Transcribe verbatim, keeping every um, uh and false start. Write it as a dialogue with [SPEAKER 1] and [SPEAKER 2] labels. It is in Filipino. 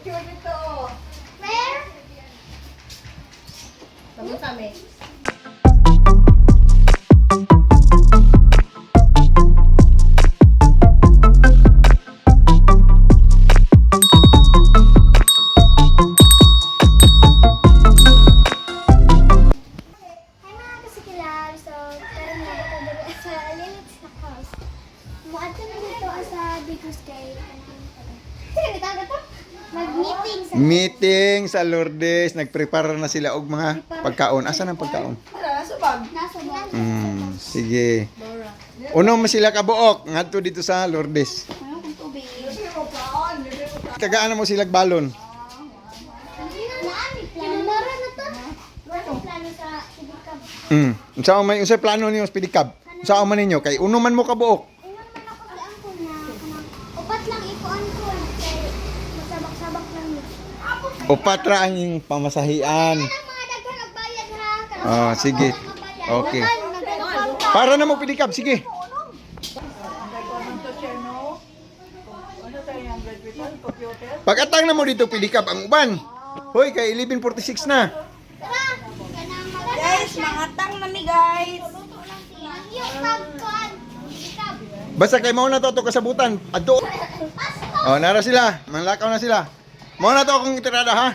[SPEAKER 1] picture dito.
[SPEAKER 2] Where?
[SPEAKER 1] Tama kami.
[SPEAKER 2] Hi mga kasikilab. So, karon na dito dito sa Lilith's na house. Muadto na dito sa Bigus kay Sige, tawag to. Mag-meeting sa
[SPEAKER 3] Meeting sa Lourdes, nagprepare na sila og mga pagkaon. Asan ang pagkaon?
[SPEAKER 1] Para sa bag.
[SPEAKER 2] nasa bag.
[SPEAKER 3] Mm, sige. Uno mo sila kabuok ngadto dito sa Lourdes.
[SPEAKER 2] Ano kung tubig?
[SPEAKER 1] Libre mo kaon. Libre mo kaon.
[SPEAKER 3] Kagaan mo sila balon.
[SPEAKER 2] Naami plano. Mara na to. Wala plano sa Ibikab.
[SPEAKER 3] Mm. Unsa may unsa plano niyo sa pedicab? Unsa man ninyo kay uno man mo kabuok.
[SPEAKER 2] Ingon man ako sa angkol na kanang upat lang ikuan ko kay masabak-sabak lang ni.
[SPEAKER 3] Upat ra ang iyong pamasahian.
[SPEAKER 2] Ang mga daghan og bayad ha. Kanang
[SPEAKER 3] Ah, sige. Okay. Para na mo pedicab, sige.
[SPEAKER 1] Ano to siya, no? Ano tayo yung graduate? Computer?
[SPEAKER 3] Pag-atang na mo dito pedicab ang uban. Hoy, kay eleven forty-six na.
[SPEAKER 2] Tara. Kanang mga
[SPEAKER 1] Guys, mga tang nami guys.
[SPEAKER 2] Ang yung pagkuan. Ibikab.
[SPEAKER 3] Basta kay mao na to to kasabutan. Adto.
[SPEAKER 2] Pasto.
[SPEAKER 3] Oh, nara sila. Manlakaw na sila. Mao na to akong itirada ha.